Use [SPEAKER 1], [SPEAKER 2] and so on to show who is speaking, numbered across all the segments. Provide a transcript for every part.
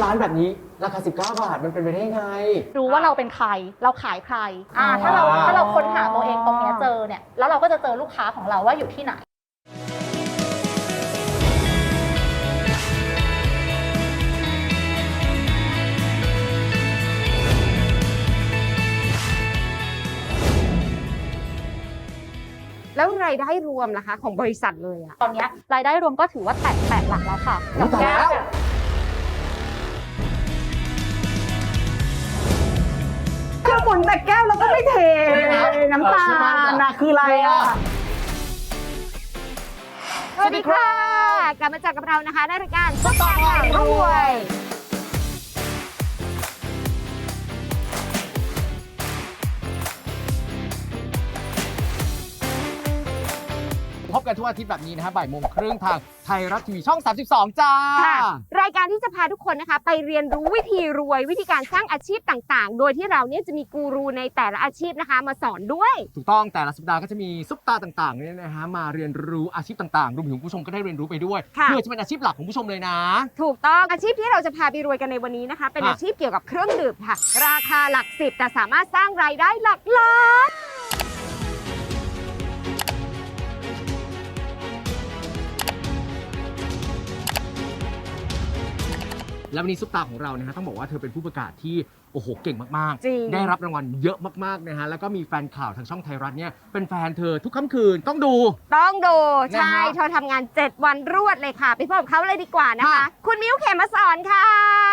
[SPEAKER 1] ร้านแบบนี้ราคา19 บาทมันเป็นไปได้ไง
[SPEAKER 2] รู้ว่าเราเป็นใครเราขายใครถ้าเราค้นหาตัวเองตรงนี้เจอเนี่ยแล้วเราก็จะเจอลูกค้าของเราว่าอยู่ที่ไหน
[SPEAKER 3] แล้วรายได้รวมล่ะคะของบริษัทเลยอะ
[SPEAKER 2] ตอนนี้รายได้รวมก็ถือว่าแตะหลักแล้วค่ะ
[SPEAKER 1] กับแก้ว
[SPEAKER 3] ก็หมุนแต่แก้วแล้วก็ไม่เทน้ำตาลนะคืออะไรอะสวัสดีค่ะกลับมาเจอกับเรานะคะในรายการซุปตาพารวย
[SPEAKER 1] พบกันทุกอาทิตย์แบบนี้นะฮะบ่ายโมงครึ่งทางไทยรัฐทีวีช่อง32จ้า
[SPEAKER 3] ค่ะรายการที่จะพาทุกคนนะคะไปเรียนรู้วิธีรวยวิธีการสร้างอาชีพต่างๆโดยที่เราเนี่ยจะมีกูรูในแต่ละอาชีพนะคะมาสอนด้วย
[SPEAKER 1] ถูกต้องแต่ละสัปดาห์ก็จะมีซุปตาต่างๆเนี่ยนะฮะมาเรียนรู้อาชีพต่างๆรวมถึงผู้ชมก็ได้เรียนรู้ไปด้วยเพื่อจะเป็นอาชีพหลักของผู้ชมเลยนะ
[SPEAKER 3] ถูกต้องอาชีพที่เราจะพาไปรวยกันในวันนี้นะคะเป็นอาชีพเกี่ยวกับเครื่องดื่มค่ะราคาหลัก10แต่สามารถสร้างรายได้หลักล้าน
[SPEAKER 1] แล้ววันนี้ซุปตาของเรานะฮะต้องบอกว่าเธอเป็นผู้ประกาศที่โอ้โหเก่งมาก
[SPEAKER 3] ๆ
[SPEAKER 1] ได้รับรางวัลเยอะมากๆนะฮะแล้วก็มีแฟนข่าวทางช่องไทยรัฐเนี่ยเป็นแฟนเธอทุกค่ำคืนต้องดู
[SPEAKER 3] ใช่เธอทำงาน7วันรวดเลยค่ะไปพบกับเขาเลยดีกว่านะคะคุณมิ้วเขมสอนค่ะ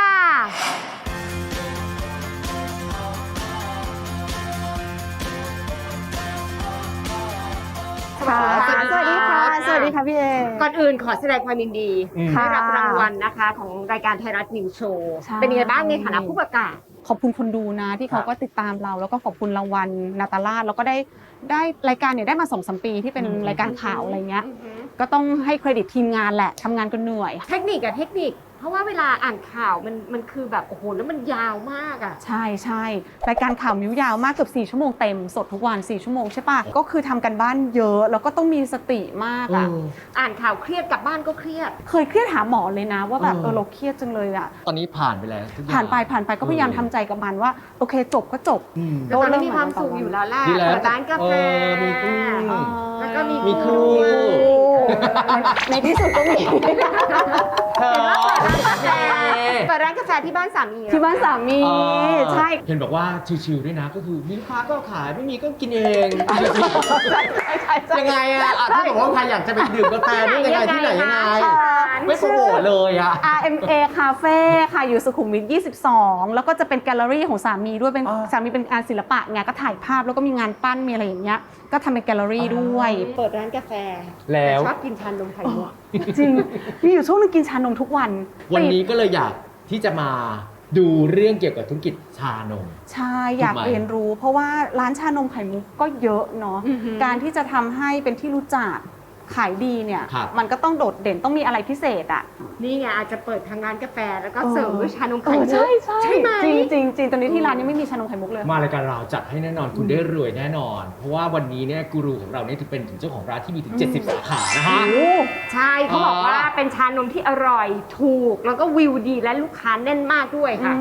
[SPEAKER 3] สวัสดีค่ะสวัสดีค่ะพี่เอก่อนอื่นขอแสดงความยินดีได้รับรางวัลนะคะของรายการไทยรัฐนิวโชว์เป็นยังไงบ้างในฐานะผู้ประกาศ
[SPEAKER 4] ขอบคุณคนดูนะที่เขาก็ติดตามเราแล้วก็ขอบคุณรางวัลนาตาลาดแล้วก็ได้รายการเนี่ยได้มา2-3 ปีที่เป็นรายการข่าวอะไรเงี้ยก็ต้องให้เครดิตทีมงานแหละทำงานก็เหนื่อย
[SPEAKER 3] เทคนิคเพราะว่าเวลาอ่านข่าวมันคือแบบโอ้โหแล้วมันยาวมากอ่ะ
[SPEAKER 4] ใช่รายการข่าวมิ้วยาวมากเกือบ4 ชั่วโมงเต็มสดทุกวัน4 ชั่วโมงใช่ปะก็คือทำกันบ้านเยอะแล้วก็ต้องมีสติมากอ่ะ
[SPEAKER 3] อ่านข่าวเครียดกลับบ้านก็เครียด
[SPEAKER 4] เคยเครียดหาหมอเลยนะว่าแบบเราเครียดจังเลยอ่ะ
[SPEAKER 1] ตอนนี้ผ่านไปแล้ว
[SPEAKER 4] ผ่านไปก็พยายามทำใจกับมันว่าโอเคจบก็จบ
[SPEAKER 3] แต่ตอนนี้มีความสุขอยู่แล้วแหละเปิดร้านกาแฟ
[SPEAKER 1] มีกุ้ง
[SPEAKER 3] แล้วก็
[SPEAKER 1] มีครู
[SPEAKER 4] ในที่สุดก็มี
[SPEAKER 3] เปิดร้านกาแฟที่บ้านสามี
[SPEAKER 4] ใช่
[SPEAKER 1] เห็นบอกว่าชิวๆด้วยนะก็คือมีลูกค้าก็ขายไม่มีก็กินเองยังไงอะถ้าบอกว่าใครอยากจะไปดื่มกาแฟนี่ยังไงที่ไหนยังไงไม่โปรโมทเลยอะ
[SPEAKER 4] RMA Cafe ค่ะอยู่สุขุมวิท22แล้วก็จะเป็นแกลเลอรี่ของสามีด้วยเป็นสามีเป็นงานศิลปะไงก็ถ่ายภาพแล้วก็มีงานปั้นมีอะไรอย่างเงี้ยก็ทำเป็นแกลเลอรี่ด้วย
[SPEAKER 3] เปิดร้านกาแฟ
[SPEAKER 1] แล้ว
[SPEAKER 3] ชอบกินชานมไข่มุก
[SPEAKER 4] จริงมีอยู่ช่วงนึงกินชานมทุกวัน
[SPEAKER 1] นี้ก็เลยอยากที่จะมาดูเรื่องเกี่ยวกับธุรกิจชานม
[SPEAKER 4] ใช่อยากเรียนรู้เพราะว่าร้านชานมไข่มุกก็เยอะเนาะการที่จะทำให้เป็นที่รู้จักขายดีเนี่ยมันก็ต้องโดดเด่นต้องมีอะไรพิเศษอ่ะ
[SPEAKER 3] นี่ไงอาจจะเปิดทางร้านกาแฟแล้วก็เสริมด้วยชานมไข่มุก
[SPEAKER 4] ใช่ไหมจริงตอนนี้ที่ร้านยังไม่มีชานมไข่มุกเลย
[SPEAKER 1] มารายการเราจัดให้แน่นอนคุณได้รวยแน่นอนเพราะว่าวันนี้เนี่ยกูรูของเราเนี่ยถือเป็นถึงเจ้าของร้านที่มีถึง70 สาขานะฮะ
[SPEAKER 3] ใช่เขาบอกว่าเป็นชานมที่อร่อยถูกแล้วก็วิวดีและลูกค้าแน่นมากด้วยค่ะ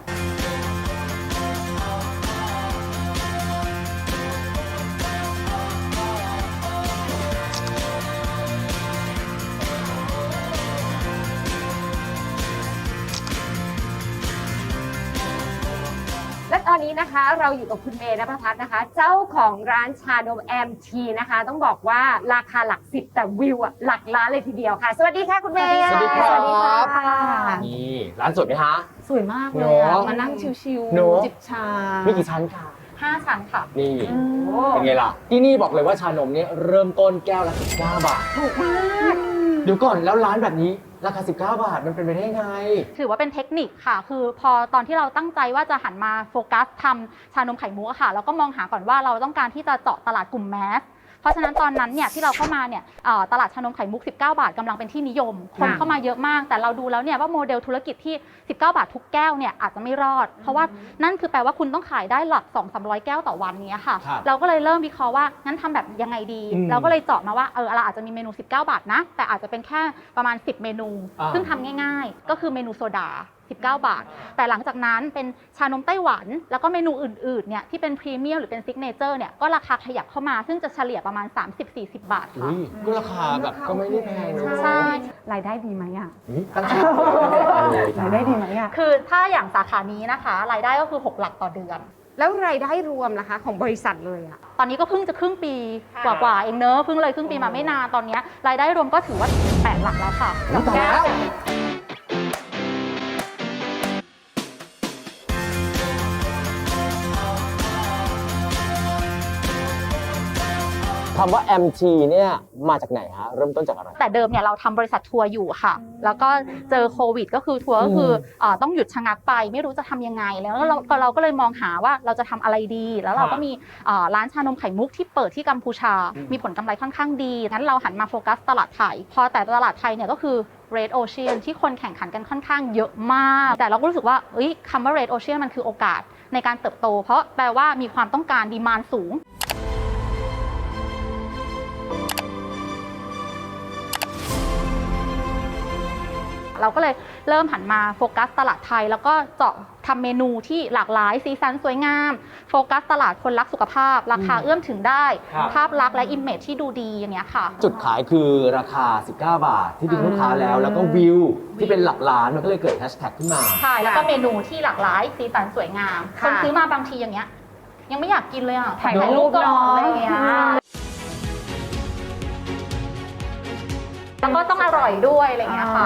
[SPEAKER 3] และตอนนี้นะคะเราอยู่กับคุณเมย์ณภพัฒน์นะคะเจ้าของร้านชานม MT นะคะต้องบอกว่าราคาหลัก10แต่วิวอะหลักล้านเลยทีเดียวค่ะสวัสดีค่ะคุณเมย์
[SPEAKER 1] สวัสดีครับนี่ร้านสวยไหมคะ
[SPEAKER 4] สวยมากเลยมานั่งชิวๆจิบชา
[SPEAKER 1] มีกี่ชั้นคะ
[SPEAKER 2] 5 ชั้นค่ะ
[SPEAKER 1] นี่เป็นไงล่ะที่นี่บอกเลยว่าชานมเนี่ยเริ่มต้นแก้วละ19 บาท
[SPEAKER 3] ถูกมาก
[SPEAKER 1] เดี๋ยวก่อนแล้วร้านแบบนี้ราคา19 บาทมันเป็นไปได้ไง
[SPEAKER 2] ถือว่าเป็นเทคนิคค่ะคือพอตอนที่เราตั้งใจว่าจะหันมาโฟกัสทำชานมไข่มุกค่ะเราก็มองหาก่อนว่าเราต้องการที่จะเจาะตลาดกลุ่มแมสเพราะฉะนั้นตอนนั้นเนี่ยที่เราเข้ามาเนี่ยตลาดชานมไข่มุก19 บาทกำลังเป็นที่นิยมคนเข้ามาเยอะมากแต่เราดูแล้วเนี่ยว่าโมเดลธุรกิจที่19 บาททุกแก้วเนี่ยอาจจะไม่รอดเพราะว่านั่นคือแปลว่าคุณต้องขายได้หลัก 200-300 แก้วต่อวันนี้ค่ะเราก็เลยเริ่มวิเคราะห์ว่างั้นทำแบบยังไงดีเราก็เลยเจาะมาว่าเราอาจจะมีเมนู19 บาทนะแต่อาจจะเป็นแค่ประมาณ10 เมนูซึ่งทำง่ายๆก็คือเมนูโซดา 19 บาท แต่หลังจากนั้นเป็นชานมไต้หวันแล้วก็เมนูอื่นๆเนี่ยที่เป็นพรีเมียมหรือเป็นซิกเนเจอร์เนี่ยก็ราคาขยับเข้ามาซึ่งจะเฉลี่ยประมาณ 30-40 บาทค่ะ
[SPEAKER 1] อุ้ยก็ราคาแบบก็ไม่ได้แพงเลย
[SPEAKER 2] ใช่
[SPEAKER 4] รายได้ดีไหมอ่ะ
[SPEAKER 1] ตั้งชื่อเลย
[SPEAKER 4] รายได้ดีไหมอ่ะ
[SPEAKER 2] คือถ้าอย่างสาขานี้นะคะรายได้ก็คือ6 หลักต่อเดือน
[SPEAKER 3] แล้วรายได้รวมล่ะคะของบริษัทเลยอะ
[SPEAKER 2] ตอนนี้ก็เพิ่งจะครึ่งปีกว่าๆเองเนอะเพิ่งเลยครึ่งปีมาไม่นานตอนนี้รายได้รวมก็ถือว่า8 หลักแล้วค่ะ
[SPEAKER 1] อุ๊ยตายแล้ว คำว่า MT เนี่ยมาจากไหนฮะเริ่มต้นจากอะไร
[SPEAKER 2] แต่เดิมเนี่ยเราทำบริษัททัวร์อยู่ค่ะ แล้วก็เจอโควิดก็คือทัวร์ก็คือต้องหยุดชะงักไปไม่รู้จะทำยังไงแล้วเราก็เลยมองหาว่าเราจะทำอะไรดี แล้วเราก็มีร้านชานมไข่มุกที่เปิดที่กัมพูชา มีผลกำไรค่อนข้างดีงั้นเราหันมาโฟกัสตลาดไทยพอแต่ตลาดไทยเนี่ยก็คือ Red Ocean ที่คนแข่งขันกันค่อนข้างเยอะมาก แต่เราก็รู้สึกว่าคำว่า Red Ocean มันคือโอกาสในการเติบโต เพราะแปลว่ามีความต้องการดีมานด์สูง เราก็เลยเริ่มหันมาโฟกัสตลาดไทยแล้วก็เจาะทำเมนูที่หลากหลายสีสันสวยงามโฟกัสตลาดคนรักสุขภาพ ราคาเอื้อมถึงได้
[SPEAKER 1] ครับ
[SPEAKER 2] ภาพลักษณ์และอิมเมจที่ดูดีอย่างเงี้ยค่ะ
[SPEAKER 1] จุดขายคือราคา 19 บาท ที่ดึงลูกค้าแล้วก็วิวที่เป็นหลักล้านมันก็เลยเกิดแฮชแท็กขึ้นมา
[SPEAKER 2] ใช่แล้วก็เมนูที่หลากหลายสีสันสวยงามคนซื้อมาบางทีอย่างเงี้ยยังไม่อยากกินเลยอ่ะ
[SPEAKER 4] ถ่ายรูป
[SPEAKER 2] ก่อน
[SPEAKER 4] เนาะ
[SPEAKER 2] อะไรอย่างเงี้ยแล้วก็ต้องอร่อยด้วยอะไรอย่างเงี้ยค่ะ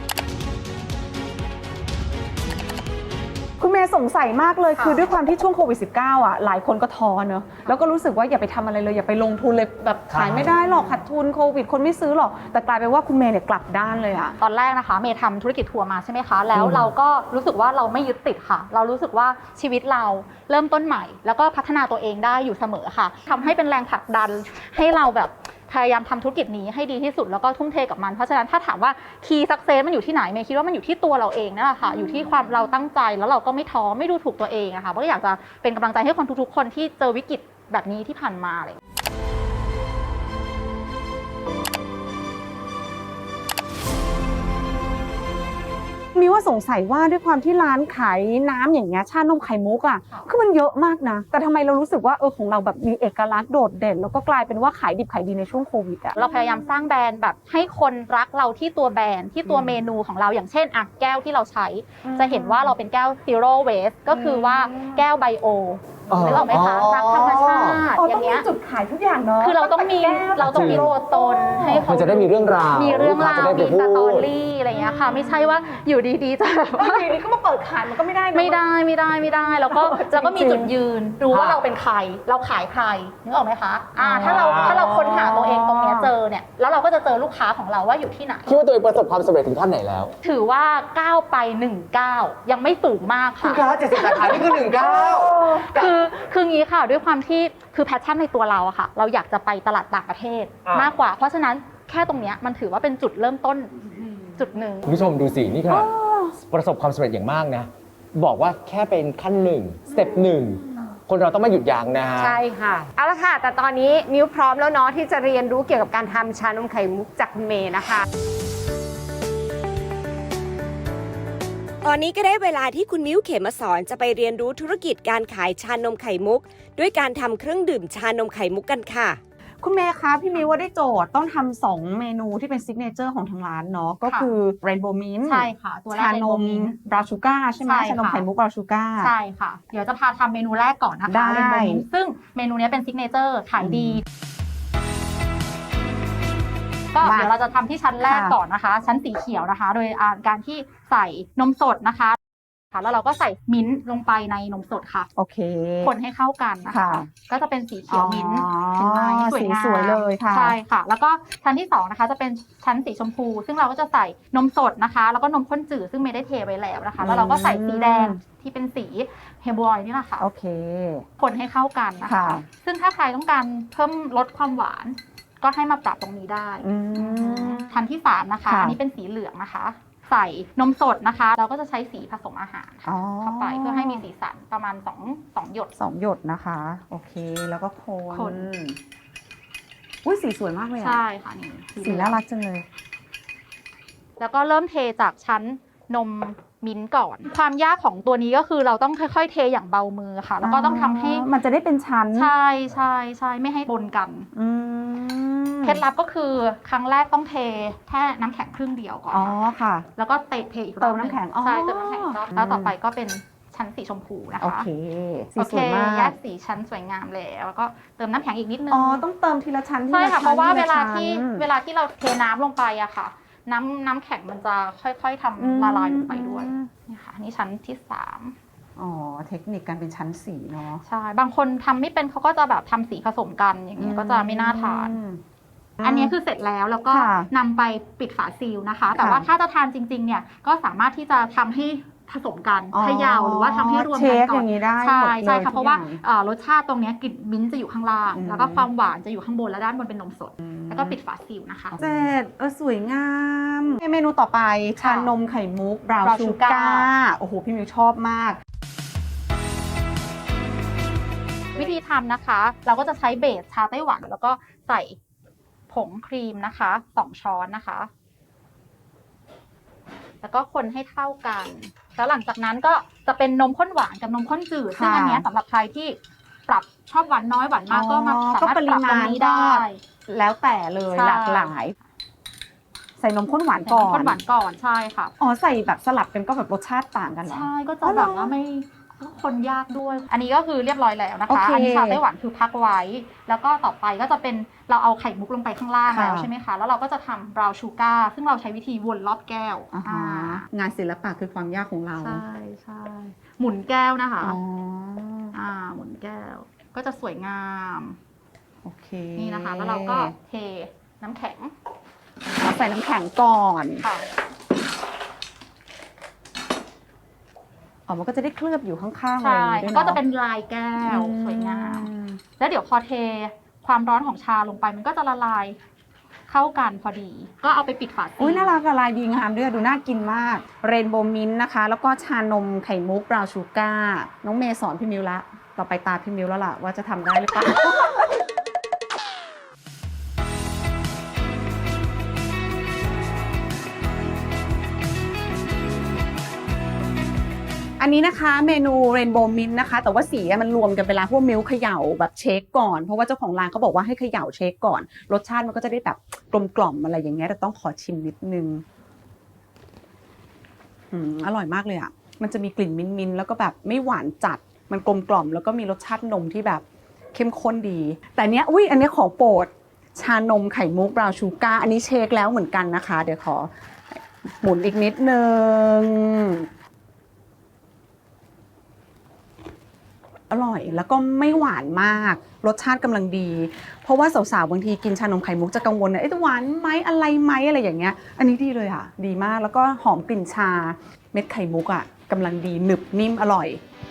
[SPEAKER 4] คุณเมย์สงสัยมากเลยคือด้วยความที่ช่วงโควิด -19 อ่ะหลายคนก็ท้อเนอะแล้วก็รู้สึกว่าอย่าไปทำอะไรเลยอย่าไปลงทุนเลยแบบขายไม่ได้หรอกขาดทุนโควิดคนไม่ซื้อหรอกแต่กลายเป็นว่าคุณเมย์เนี่ยกลับด้านเลยอ่ะ
[SPEAKER 2] ตอนแรกนะคะเมย์ทำธุรกิจทัวร์มาใช่ไหมคะแล้วเราก็รู้สึกว่าเราไม่ยึดติดค่ะ เรารู้สึกว่าชีวิตเราเริ่มต้นใหม่ แล้วก็พัฒนาตัวเองได้อยู่เสมอค่ะทำให้เป็นแรงผลักดันให้เราแบบพยายามทำธุรกิจนี้ให้ดีที่สุดแล้วก็ทุ่มเทกับมันเพราะฉะนั้นถ้าถามว่าคีย์สักเซสมันอยู่ที่ไหนเมย์คิดว่ามันอยู่ที่ตัวเราเองนั่นแหละค่ะอยู่ที่ความเราตั้งใจแล้วเราก็ไม่ท้อไม่ดูถูกตัวเองอะค่ะก็อยากจะเป็นกำลังใจให้คนทุกๆคนที่เจอวิกฤตแบบนี้ที่ผ่านมาอะไรอย่างเงี้ย
[SPEAKER 4] มีว่าสงสัยว่าด้วยความที่ร้านขายน้ำอย่างเงี้ยชานมไข่มุกอ่ะคือมันเยอะมากนะแต่ทำไมเรารู้สึกว่าของเราแบบมีเอกลักษณ์โดดเด่นแล้วก็กลายเป็นว่าขายดิบขายดีในช่วงโควิดอ่ะ
[SPEAKER 2] เราพยายามสร้างแบรนด์แบบให้คนรักเราที่ตัวแบรนด์ที่ตัวเมนูของเราอย่างเช่นแก้วที่เราใช้จะเห็นว่าเราเป็นแก้ว zero waste ก็คือว่าแก้วไบโอนึกออกไหมคะรักธรรมชาติอย่างเงี้ย
[SPEAKER 4] จุดขายทุกอย่างเนาะ
[SPEAKER 2] คือเราต้องมีตัวตนให้เขา
[SPEAKER 1] มันจะได้มีเรื่องราว
[SPEAKER 2] มีเรื่องราว
[SPEAKER 1] จะได้ไป
[SPEAKER 2] มี
[SPEAKER 1] พู
[SPEAKER 2] ส
[SPEAKER 1] ด
[SPEAKER 2] ตอรี่อะไรอย่างเงี้ยค่ะไม่ใช่ว่าอยู่ดีๆจะแบบว่า
[SPEAKER 4] อยู่ดีก็มาเปิดขายมันก็ไม่ได้นะ
[SPEAKER 2] ไม่ได้แล้วก็มีจุดยืนรู้ว่าเราเป็นใครเราขายใครนึกออกไหมคะถ้าเราค้นหาตัวเองตรงเนี้ยเจอเนี่ยแล้วเราก็จะเจอลูกค้าของเราว่าอยู่ที่ไหน
[SPEAKER 1] คิดว่าตัวเองประสบความสำเร็จถึงขั้นไหนแล้ว
[SPEAKER 2] ถือว่าก้าวไป19ยังไม่สูงมาก
[SPEAKER 1] คุณ
[SPEAKER 2] ค่ะ
[SPEAKER 1] คะ70 สาขานี่คือ19
[SPEAKER 2] คืองี้ค่ะด้วยความที่คือแพชชั่นในตัวเราอะค่ะเราอยากจะไปตลาดต่างประเทศมากกว่า เพราะฉะนั้นแค่ตรงเนี้ยมันถือว่าเป็นจุดเริ่มต้นจุดหนึ่ง
[SPEAKER 1] คุณผู้ชมดูสินี่ขนาดประสบความสำเร็จอย่างมากนะบอกว่าแค่เป็นขั้นหนึ่งสเต็ปหนึ่งคนเราต้องไม่หยุดยั้งนะฮะ
[SPEAKER 3] ใช่ค่ะเอาละค่ะแต่ตอนนี้มิ้วพร้อมแล้วเนาะที่จะเรียนรู้เกี่ยวกับการทำชานมไข่มุกจากคุณเมย์นะคะ
[SPEAKER 5] ตอนนี้ก็ได้เวลาที่คุณมิ้วเขมสอนจะไปเรียนรู้ธุรกิจการขายชานมไข่มุกด้วยการทำเครื่องดื่มชานมไข่มุกกันค่ะ
[SPEAKER 4] คุณเมย์คะพี่มิวว่าได้โจทย์ต้องทำ2เมนูที่เป็นซิกเนเจอร์ของทางร้านเนาะก็คือ Rainbow Mint
[SPEAKER 2] ใช่ค่ะตัวแรก
[SPEAKER 4] ชานม
[SPEAKER 2] Rainbow Mint
[SPEAKER 4] บราวน์ชูการ์ใช่ไหม
[SPEAKER 2] ใช่ค่ะ
[SPEAKER 4] ชานมไข่มุกบราวน์ชูการ์
[SPEAKER 2] ใช่ค่ะ เดี๋ยวจะพาทำเมนูแรกก่อนนะคะ
[SPEAKER 4] ได้
[SPEAKER 2] เรนโบว์มิ้นท์ซึ่งเมนูนี้เป็นซิกเนเจอร์ขายดี ก็เดี๋ยวเราจะทำที่ชั้นแรกก่อนนะคะ ชั้นสีเขียวนะคะ โดยการที่ใส่นมสดนะคะแล้วเราก็ใส่มิ้นท์ลงไปในนมสดค่ะ
[SPEAKER 4] โอเค
[SPEAKER 2] คนให้เข้ากันนะคะ
[SPEAKER 4] ค่ะ
[SPEAKER 2] ก็จะเป็นสีเขียวมิ้นท์
[SPEAKER 4] อ๋อ
[SPEAKER 2] เห็นไหมสวยงาม
[SPEAKER 4] สีสวยเลยค่ะ
[SPEAKER 2] ใช่ค่ะ แล้วก็ชั้นที่2นะคะจะเป็นชั้นสีชมพู ซึ่งเราก็จะใส่นมสดนะคะ แล้วก็นมข้นจืดซึ่งไม่ได้เทไว้แล้วนะคะ แล้วเราก็ใส่สีแดงที่เป็นสีเฮบอยนี่แหละค่ะ
[SPEAKER 4] โอเค
[SPEAKER 2] คนให้เข้ากันนะคะ
[SPEAKER 4] ค่ะ
[SPEAKER 2] ซึ่งถ้าใครต้องการเพิ่มลดความหวาน ก็ให้มาปรับตรงนี้ได้
[SPEAKER 4] อืม
[SPEAKER 2] ชั้นที่3นะคะ
[SPEAKER 4] ค่ะ
[SPEAKER 2] อันนี้เป็นสีเหลืองนะคะ ใส่นมสดนะคะ เราก็จะใช้สีผสมอาหาร
[SPEAKER 4] อ๋อ
[SPEAKER 2] เข้าไปเพื่อให้มีสีสันประมาณ2หยด
[SPEAKER 4] 2 หยดนะคะ โอเคแล้วก็คน
[SPEAKER 2] คน
[SPEAKER 4] อุ้ยสีสวยมากเลยอะ
[SPEAKER 2] ใช่ค่ะนี่
[SPEAKER 4] สีน่ารักจังเลย
[SPEAKER 2] แล้วก็เริ่มเทจากชั้นนมมิ้นท์ก่อน ความยากของตัวนี้ก็คือเราต้องค่อยๆเทอย่างเบามือค่ะ แล้วก็ต้องทำให้
[SPEAKER 4] มันจะได้เป็นชั้น
[SPEAKER 2] ใช่ไม่ให้ปนกัน
[SPEAKER 4] อืม
[SPEAKER 2] เคล็ดลับก็คือครั้งแรกต้องเทแค่น้ำแข็งครึ่งเดียวก่อน
[SPEAKER 4] อ๋อค่ะ
[SPEAKER 2] แล้วก็เทอีกรอบ
[SPEAKER 4] เติมน้ำแข็งอ๋อ
[SPEAKER 2] ใช่เติมน้ำแข็งอีกรอบแล้วต่อไปก็เป็นชั้นสีชมพูนะคะ
[SPEAKER 4] โอเคสี
[SPEAKER 2] โอ
[SPEAKER 4] ส
[SPEAKER 2] เค
[SPEAKER 4] วยมา
[SPEAKER 2] แย
[SPEAKER 4] ก
[SPEAKER 2] กสีชั้นสวยงามแล้วก็เติมน้ำแข็งอีกนิดนึง
[SPEAKER 4] อ๋อต้องเติมทีละชั้นที
[SPEAKER 2] ใช่
[SPEAKER 4] ละ
[SPEAKER 2] ค่ะ
[SPEAKER 4] ชั้น
[SPEAKER 2] เพราะว่า
[SPEAKER 4] ที
[SPEAKER 2] เว
[SPEAKER 4] ละ
[SPEAKER 2] ลา
[SPEAKER 4] ชั้น
[SPEAKER 2] ที่เราเทน้ำลงไปอะค่ะ น้ำแข็งมันจะค่อยๆทำละลายลงไปด้วยนี่ค่ะนี่ชั้นที่3
[SPEAKER 4] อ๋อเทคนิคการเป็นชั้นสีเนาะ
[SPEAKER 2] ใช่บางคนทำไม่เป็นเขาก็จะแบบทำสีผสมกันอย่างเงี้ยก็จะไม่น่าทาน อันนี้คือเสร็จแล้วแล้วก็
[SPEAKER 4] ค่ะ
[SPEAKER 2] นำไปปิดฝาซีลนะคะ แต่ว่าถ้าจะทานจริงๆเนี่ยก็สามารถที่จะทำให้ผสมกัน
[SPEAKER 4] อ๋อ
[SPEAKER 2] เขย่าหรือว่าทำให้รวม
[SPEAKER 4] เช
[SPEAKER 2] กัน
[SPEAKER 4] ฟ
[SPEAKER 2] ก่
[SPEAKER 4] อ
[SPEAKER 2] อน
[SPEAKER 4] ย่างนี้ได้
[SPEAKER 2] ใช่
[SPEAKER 4] หมดเลย
[SPEAKER 2] ใช่ค่ะ
[SPEAKER 4] ทุก
[SPEAKER 2] เพราะว่า
[SPEAKER 4] อย่าง
[SPEAKER 2] รสชาติตรงเนี้ยกลิ่นมิ้นท์จะอยู่ข้างล่าง แล้วก็ความหวานจะอยู่ข้างบนและด้านบนเป็นนมสด แล้วก็ปิดฝาซีลนะคะ
[SPEAKER 4] เจ็ดสวยงามเมนูต่อไปชานมไข่มุกบราว
[SPEAKER 2] Brown
[SPEAKER 4] ชู
[SPEAKER 2] Sugar
[SPEAKER 4] การ์โอ้โหพี่มิวชอบมาก
[SPEAKER 2] วิธีทำนะคะ เราก็จะใช้เบสชาไต้หวัน แล้วก็ใส่ผงครีมนะคะ2 ช้อนนะคะ แล้วก็คนให้เท่ากัน แล้วหลังจากนั้นก็จะเป็นนมข้นหวานกับนมข้นจืด ซึ่งอันเนี้ยสำหรับใครที่ปรับชอบหวานน้อยหวานมากก็มาสามารถปรับตรงนี้ได้
[SPEAKER 4] แล้วแต่เลย
[SPEAKER 2] ใช่
[SPEAKER 4] หลากหลาย ใส่นมข้นหวาน
[SPEAKER 2] ใส่
[SPEAKER 4] ก่
[SPEAKER 2] น
[SPEAKER 4] อ
[SPEAKER 2] มข้นหวานก่อนใช่ค่ะ
[SPEAKER 4] อ๋อใส่แบบสลับกันก็แบบรสชาติต่างกันเหรอ
[SPEAKER 2] ใช่ก็
[SPEAKER 4] อ๋
[SPEAKER 2] จะ
[SPEAKER 4] อเหร
[SPEAKER 2] แบ
[SPEAKER 4] อ
[SPEAKER 2] บว่าไม่คนยากด้วย อันนี้ก็คือเรียบร้อยแล้วนะ
[SPEAKER 4] โอ
[SPEAKER 2] คะ
[SPEAKER 4] เค
[SPEAKER 2] อันนี้ชาไต้หวันคือพักไว้ แล้วก็ต่อไปก็จะเป็นเราเอาไข่มุกลงไปข้างล่าง
[SPEAKER 4] ค่ะ
[SPEAKER 2] แล้วใช่ไหมคะ แล้วเราก็จะทำบราวน์ชูการ์ซึ่งเราใช้วิธีวนรอบแก้ว
[SPEAKER 4] อ่าฮะงานศิลปะคือความยากของเรา
[SPEAKER 2] ใช่หมุนแก้วนะคะ
[SPEAKER 4] อ๋อ
[SPEAKER 2] หมุนแก้ว ก็จะสวยงาม
[SPEAKER 4] โอเค
[SPEAKER 2] นี่นะคะ แล้วเราก็เทน้ำแข็ง
[SPEAKER 4] ใส่น้ำแข็งก่อน
[SPEAKER 2] ค่ะ
[SPEAKER 4] อ๋อมันก็จะได้เคลือบอยู่ข้างๆอะไร
[SPEAKER 2] ใช่
[SPEAKER 4] อย่างงี้ด้วย
[SPEAKER 2] ก็
[SPEAKER 4] เนาะ
[SPEAKER 2] จะเป็นลายแก้วสวยงาม แล้วเดี๋ยวพอเทความร้อนของชาลงไปมันก็จะละลายเข้ากันพอดี ก็เอาไปปิดฝาซีล
[SPEAKER 4] อุ้ยน่ารักอะลายดีงามด้วยดูน่ากินมากเรนโบว์มินต์นะคะ แล้วก็ชานมไข่มุกบราวน์ชูการ์น้องเมย์สอนพี่มิวละต่อไปตาพี่มิวแล้วล่ะว่าจะทำได้หรือเปล่า อันนี้นะคะเมนูเรนโบว์มินต์นะคะ แต่ว่าสีอะมันรวมกันไปแล้วพวกมิลค์เขย่าแบบเชคก่อนเพราะว่าเจ้าของร้านเขาบอกว่าให้เขย่าเชคก่อน รสชาติมันก็จะได้แบบกลมกล่อมอะไรอย่างเงี้ยแต่ต้องขอชิมนิดนึงอร่อยมากเลยอ่ะมันจะมีกลิ่นมิ้นท์แล้วก็แบบไม่หวานจัดมันกลมกล่อมแล้วก็มีรสชาตินมที่แบบเข้มข้นดี แต่เนี้ยอันนี้ของโปรดชานมไข่มุกบราวน์ชูการ์อันนี้เชคแล้วเหมือนกันนะคะ เดี๋ยวขอหมุนอีกนิดนึงอร่อยแล้วก็ไม่หวานมากรสชาติกำลังดีเพราะว่าสาวๆบางทีกินชานมไข่มุกจะกังวลนะหวานไหมอะไรไหมอะไรอย่างเงี้ยอันนี้ดีเลยอ่ะดีมากแล้วก็หอมกลิ่นชาเม็ดไข่มุกอ่ะกำลังดีหนึบนิ่มอร่อย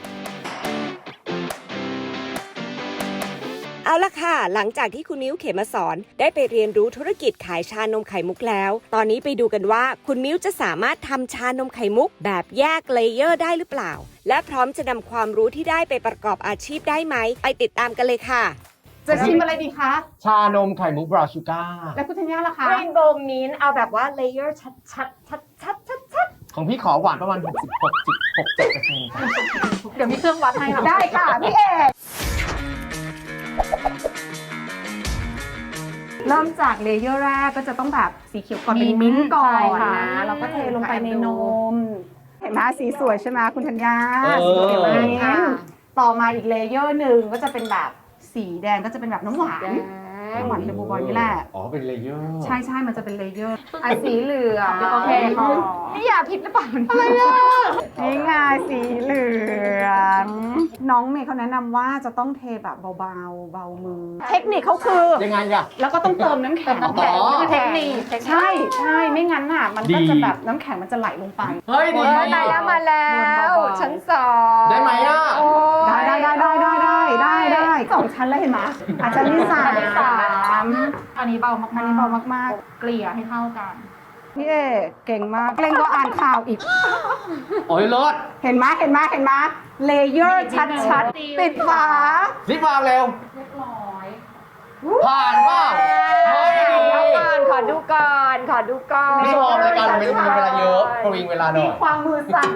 [SPEAKER 5] เอาละค่ะ หลังจากที่คุณมิ้วเขมสอนได้ไปเรียนรู้ธุรกิจขายชานมไข่มุกแล้ว ตอนนี้ไปดูกันว่าคุณมิ้วจะสามารถทำชานมไข่มุกแบบแยกเลเยอร์ได้หรือเปล่า และพร้อมจะนำความรู้ที่ได้ไปประกอบอาชีพได้ไหมไปติดตามกันเลยค่ะ
[SPEAKER 4] จะชิมอะไรดีคะ
[SPEAKER 1] ชานมไข่มุกบราวน์ชูการ์
[SPEAKER 4] แล้วคุณธัญญาล่ะคะ
[SPEAKER 3] เรนโบว์มินท์เอาแบบว่าเลเยอร์ชัด
[SPEAKER 1] ของพี่ขอหวานประมาณ67%ครับ
[SPEAKER 2] เดี๋ยวมีเครื่องวัดให้ค่ะ
[SPEAKER 4] ได้ค่ะพี่เอกเริ่มจากเลเยอร์แรกก็จะต้องแบบสีเขียวก่อนเป็นมิ้นท์ก่อนนะแล้วก็เทลงไปในนม เห็นไหมสีสวยใช่ไหมคุณธัญญาสีเขียวมิ้นท์ต่อมาอีกเลเยอร์หนึ่งก็จะเป็นแบบสีแดงก็จะเป็นแบบน้ำหวานน้ำหวานเดบูบอยนี่แหละ
[SPEAKER 1] อ๋อเป็นเลเยอร์
[SPEAKER 4] ใช่ใช่มันจะเป็นเลเยอร์อ่ะสีเหลือง
[SPEAKER 2] โอเคค่ะ
[SPEAKER 3] นี่อย่าผิดหรือเปล่า
[SPEAKER 4] นี่ไงสีเหลือง น้องเมย์เขาแนะนำว่าจะต้องเทแบบเบาๆเบามือ เทคนิคเขาคือ
[SPEAKER 1] ยังไงอะ
[SPEAKER 4] แล้วก็ต้องเติมน้ำแข็ง
[SPEAKER 2] น้ำแข็ง
[SPEAKER 1] อ๋อ
[SPEAKER 2] คือเทคนิค
[SPEAKER 4] ใช่ใช่ไม่งั้นน่ะมันก็
[SPEAKER 1] ดี
[SPEAKER 4] จะแบบน้ำแข็งมันจะไหลลงไป
[SPEAKER 1] เฮ้ยดี
[SPEAKER 3] มาแล้วมาแล้ว
[SPEAKER 4] เบาๆ
[SPEAKER 3] ชั้นสอง
[SPEAKER 1] ได้ไหมอะ
[SPEAKER 3] โอ้ย
[SPEAKER 4] ได้สองชั้นแล้วเห็นไหมอาชั้นที่สาม
[SPEAKER 2] อันนี้เบามากๆ
[SPEAKER 4] อันนี้เบามาก
[SPEAKER 2] เกลี่ยให้เท่ากัน
[SPEAKER 4] ๆพี่เอกเก่งมากเล่นก็อ่านข่าวอีก
[SPEAKER 1] โอ้ยรส
[SPEAKER 4] เห็นไหมเลเยอร์ชัดๆติดฝา
[SPEAKER 1] รีบวางเร็ว
[SPEAKER 2] เรียบร้อย
[SPEAKER 1] ผ่านเปล่าเฮ้ย
[SPEAKER 3] แล้วขอดูก่อนขอดูก่อน
[SPEAKER 1] ไม่ชอบรายการมันมีเวลาเยอะประวิงเวลาหน่อย
[SPEAKER 4] ความมือสั่น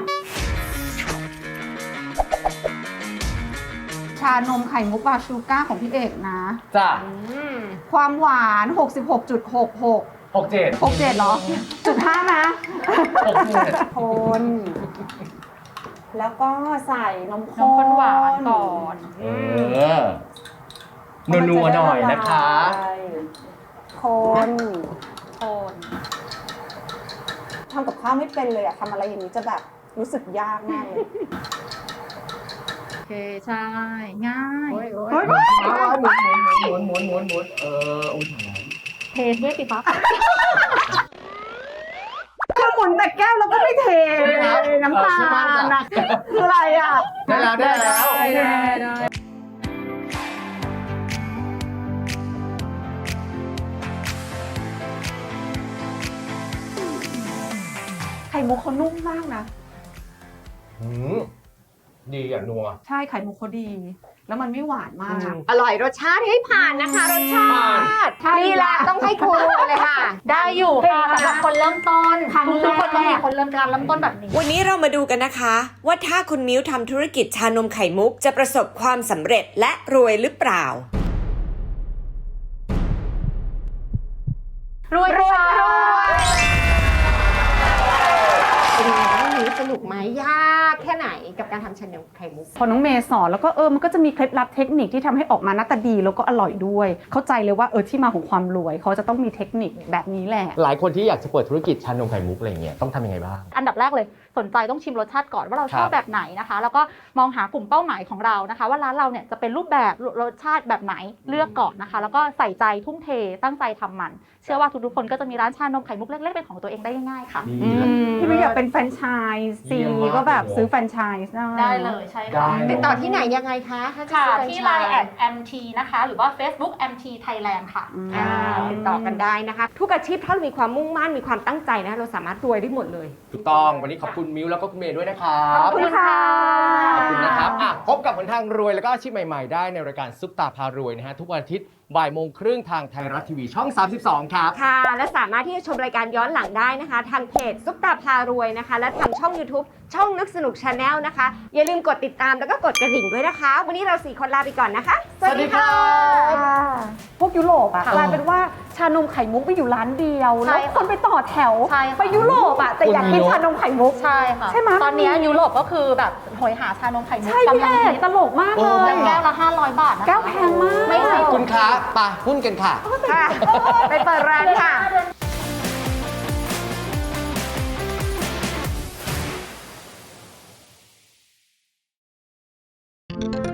[SPEAKER 4] ชานมไข่มุกบาชูก้าของพี่เอกนะ
[SPEAKER 1] จ้ะ
[SPEAKER 4] ความหวาน 66.66
[SPEAKER 1] 67
[SPEAKER 4] 67เหรอจุด5นะ
[SPEAKER 1] 67
[SPEAKER 4] คน แล้วก็ใส่นม
[SPEAKER 2] น้ำข้นหวานก่อน
[SPEAKER 1] นัวๆหน่อยนะคะ
[SPEAKER 4] คน
[SPEAKER 2] คน
[SPEAKER 4] ทำกับข้าวไม่เป็นเลยอะทำอะไรอย่างนี้จะแบบรู้สึกยากมากเลย
[SPEAKER 2] โอเคใช่ง่าย
[SPEAKER 1] หมุนอุ้ย
[SPEAKER 2] เทด้วยสิคะ
[SPEAKER 4] คือหมุนแต่แก้วแล้วก็ไม่เทน้ำตาลนะคืออะไรอ่ะ
[SPEAKER 1] ได้แล้ว
[SPEAKER 4] ไข่มุกเขานุ่มมากนะ
[SPEAKER 1] ดีอ่ะนัว
[SPEAKER 4] ใช่ไข่มุกเขาดี แล้วมันไม่หวานมาก
[SPEAKER 3] อร่อยรสชาติให้ผ่านนะคะรสชาตินี่แหละต้องให้ครูเลยค่ะ
[SPEAKER 2] ได้อยู่ค่ะสำหรับคนเริ่มต้น
[SPEAKER 4] ครั้งแรก
[SPEAKER 2] ทุกคนต้องมีคนเริ่มต้นแบบนี้
[SPEAKER 5] วันนี้เรามาดูกันนะคะ ว่าถ้าคุณมิ้วทำธุรกิจชานมไข่มุกจะประสบความสำเร็จและรวยหรือเปล่า
[SPEAKER 2] รวย
[SPEAKER 3] เป็นไงบ้างวันนี้สนุกไหมยากแค่ไหนกับการทำชานมไข่มุก
[SPEAKER 4] พอน้องเมย์สอนแล้วก็มันก็จะมีเคล็ดลับเทคนิคที่ทำให้ออกมาหน้าตาดีแล้วก็อร่อยด้วย เข้าใจเลยว่าที่มาของความรวยเขาจะต้องมีเทคนิคแบบนี้แหละ
[SPEAKER 1] หลายคนที่อยากจะเปิดธุรกิจชานมไข่มุกอะไรเงี้ยต้องทำยังไงบ้าง
[SPEAKER 2] อันดับแรกเลยสนใจต้องชิมรสชาติก่อนว่าเราชอบ
[SPEAKER 1] ครับ
[SPEAKER 2] แบบไหนนะคะ แล้วก็มองหากลุ่มเป้าหมายของเรานะคะ ว่าร้านเราเนี่ยจะเป็นรูปแบบรสชาติแบบไหนเลือกก่อนนะคะ แล้วก็ใส่ใจทุ่มเทตั้งใจทำมัน เชื่อว่าทุกๆคนก็จะมีร้านชานมไข่มุกเล็กๆเป็นของตัวเองได้ง่ายๆค่ะ
[SPEAKER 4] พี่ไม่อยากเป็นแฟรนไชส์ซี
[SPEAKER 1] เยี่ยมมาก
[SPEAKER 4] ก็แบบซื้อแฟรนไชส์ได้
[SPEAKER 2] ได้เลยใช่
[SPEAKER 1] ได้
[SPEAKER 2] ค่ะ
[SPEAKER 3] ติดต่อที่ไหนยังไงคะถ้าจะ
[SPEAKER 2] ค่ะ
[SPEAKER 3] ซื้อ
[SPEAKER 2] ที่
[SPEAKER 3] แฟรน
[SPEAKER 2] Line
[SPEAKER 3] ไช
[SPEAKER 2] แอ
[SPEAKER 3] ส์
[SPEAKER 2] ด MT นะคะ หรือว่า Facebook MT Thailand ค่ะ
[SPEAKER 3] ติดต่อกันได้นะคะ ทุกอาชีพถ้าเรามีความมุ่งมั่นมีความตั้งใจนะเราสามารถรวยได้หมดเลย
[SPEAKER 1] ถูกต้องวันนี้ขอบคุณมิ้วแล้วก็คุณเมย์ด้วยนะครับ
[SPEAKER 4] ขอบคุณค่ะ
[SPEAKER 1] ขอบคุณนะครับพบกับหนทางรวยแล้วก็อาชีพใหม่ๆ ได้ในรายการซุปตาพารวยนะฮะทุกวันอาทิตย์บ่ายโมงครึ่งทางไทยรัฐทีวีช่อง 32 ครับ
[SPEAKER 3] ค่ะ และสามารถที่จะชมรายการย้อนหลังได้นะคะ ทางเพจซุปตาพารวยนะคะ และทางช่อง YouTube ช่องนึกสนุก Channel นะคะ อย่าลืมกดติดตามแล้วก็กดกระดิ่งด้วยนะคะ วันนี้เรา4คนลาไปก่อนนะคะ
[SPEAKER 1] สวัสดีครับ
[SPEAKER 4] พวกยุโรปอะ
[SPEAKER 2] ค่ะ
[SPEAKER 4] กลายเป็นว่าชานมไข่มุกไปอยู่ร้านเดียว
[SPEAKER 2] ใช่
[SPEAKER 4] แล้ว
[SPEAKER 2] ค่ะ
[SPEAKER 4] คนไปต่อแถว
[SPEAKER 2] ใช่ค่ะ
[SPEAKER 4] ไปยุโรปอะแต่อยากกินชานมไข่มุก
[SPEAKER 2] ใช่ค่ะ
[SPEAKER 4] ใช่ไหม
[SPEAKER 2] ตอนนี้ยุโรปก็คือแบบโหยหาชานมไข่มุก
[SPEAKER 4] ใช่พี่
[SPEAKER 2] กำลัง
[SPEAKER 4] เอก
[SPEAKER 2] ฮิต
[SPEAKER 4] ตลกมาก
[SPEAKER 1] โอ้
[SPEAKER 4] เลย
[SPEAKER 2] แก้วละ500 บาทนะคะ
[SPEAKER 4] แก้วแพงมาก
[SPEAKER 2] ไม่แพง
[SPEAKER 1] คุณค้าไปหุ้นกันค่ะ
[SPEAKER 3] ค่ะ ไปเปิดร้านค่ะ
[SPEAKER 2] เ